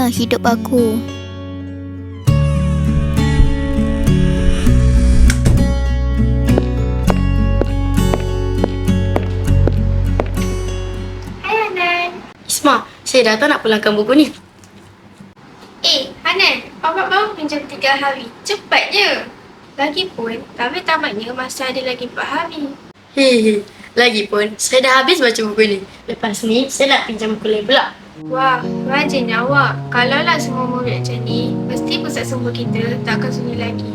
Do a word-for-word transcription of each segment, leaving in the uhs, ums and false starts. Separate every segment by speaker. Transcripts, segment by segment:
Speaker 1: mana hidup aku?
Speaker 2: Hai Hanan.
Speaker 3: Isma, saya datang nak pulangkan buku ni.
Speaker 2: Eh, Hanan, awak baru pinjam tiga hari. Cepat je. Lagipun, tapi tamatnya masih ada lagi empat hari.
Speaker 3: Hehe, lagipun saya dah habis baca buku ni. Lepas ni, saya nak pinjam buku lain pula.
Speaker 2: Wah, rajin awak. Kalaulah semua murid macam ni, mesti pusat sumber kita tak akan sunyi lagi.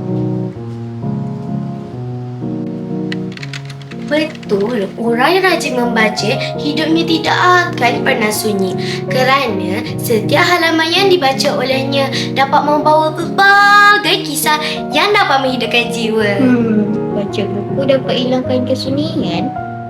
Speaker 4: Betul, orang yang rajin membaca hidupnya tidak akan pernah sunyi kerana setiap halaman yang dibaca olehnya dapat membawa berbagai kisah yang dapat menghidupkan jiwa.
Speaker 1: Hmm, baca buku dapat hilangkan kesunyian.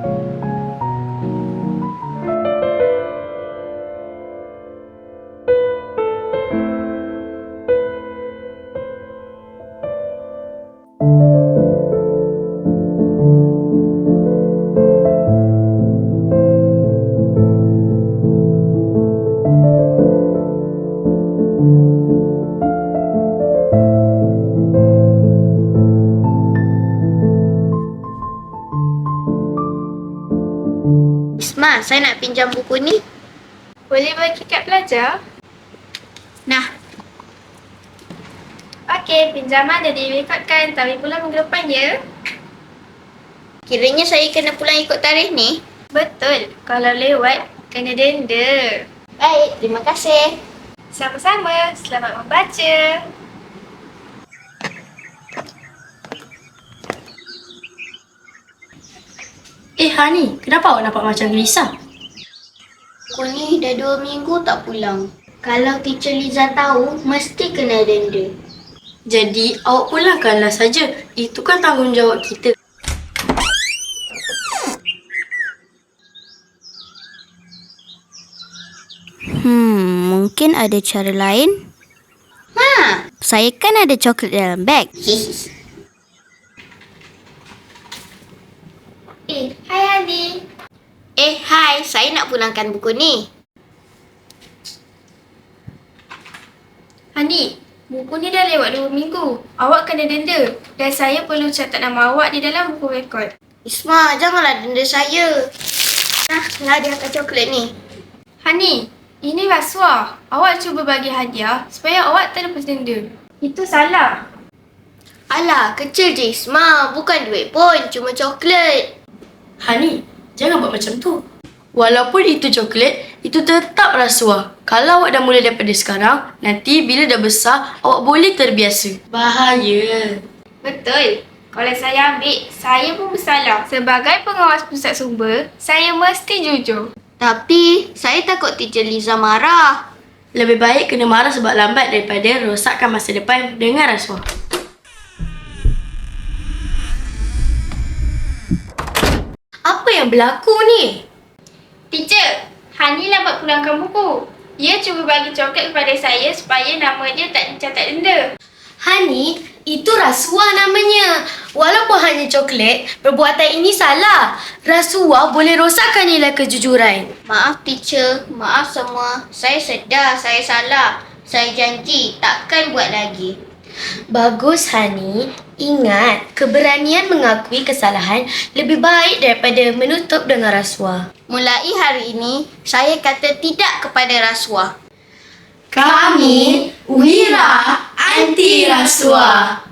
Speaker 4: Isma, saya nak pinjam buku ni.
Speaker 2: Boleh bagi kat pelajar?
Speaker 4: Nah,
Speaker 2: Okey, pinjaman dah direkodkan. Tapi pulang minggu depan ya.
Speaker 4: kiranya saya kena pulang ikut tarikh ni.
Speaker 2: Betul. Kalau lewat, kena denda.
Speaker 4: Baik, terima kasih.
Speaker 2: Sama-sama. Selamat membaca.
Speaker 3: Eh Hani, kenapa awak nampak macam gelisah?
Speaker 4: Aku ni dah dua minggu tak pulang. Kalau teacher Liza tahu, mesti kena denda.
Speaker 3: Jadi, awak pulangkanlah saja. Itu kan tanggungjawab kita.
Speaker 1: Hmm, mungkin ada cara lain.
Speaker 4: Ha!
Speaker 1: Saya kan ada coklat dalam beg.
Speaker 2: Eh, hai Adi.
Speaker 4: Eh, hai. Saya nak pulangkan buku ni.
Speaker 2: Hani, buku ni dah lewat dua minggu. Awak kena denda. Dan saya perlu catat nama awak di dalam buku rekod.
Speaker 4: Isma, janganlah denda saya. Nah, hadiahkan coklat ni.
Speaker 2: Hani, ini rasuah. Awak cuba bagi hadiah supaya awak tak lepas denda. Itu salah.
Speaker 4: Alah, kecil je Isma. Bukan duit pun, cuma coklat.
Speaker 3: Hani, jangan buat macam tu. Walaupun itu coklat, itu tetap rasuah. Kalau awak dah mula daripada sekarang, nanti bila dah besar, awak boleh terbiasa. Bahaya.
Speaker 2: Betul. Kalau saya ambil, saya pun bersalah. Sebagai pengawas pusat sumber, saya mesti jujur.
Speaker 4: Tapi, saya takut teacher Liza marah.
Speaker 3: Lebih baik kena marah sebab lambat daripada rosakkan masa depan dengan rasuah.
Speaker 4: Apa yang berlaku ni?
Speaker 2: Teacher, Hani lambat pulangkan buku. Dia cuba bagi coklat kepada saya supaya nama dia tak dicatat denda.
Speaker 4: Hani, itu rasuah namanya. Walaupun hanya coklat, perbuatan ini salah. Rasuah boleh rosakkan nilai kejujuran. Maaf teacher, maaf semua. Saya sedar saya salah. Saya janji takkan buat lagi. Bagus Hani. Ingat, keberanian mengakui kesalahan lebih baik daripada menutup dengan rasuah. Mulai hari ini, saya kata tidak kepada rasuah.
Speaker 3: Kami Wira Anti Rasuah.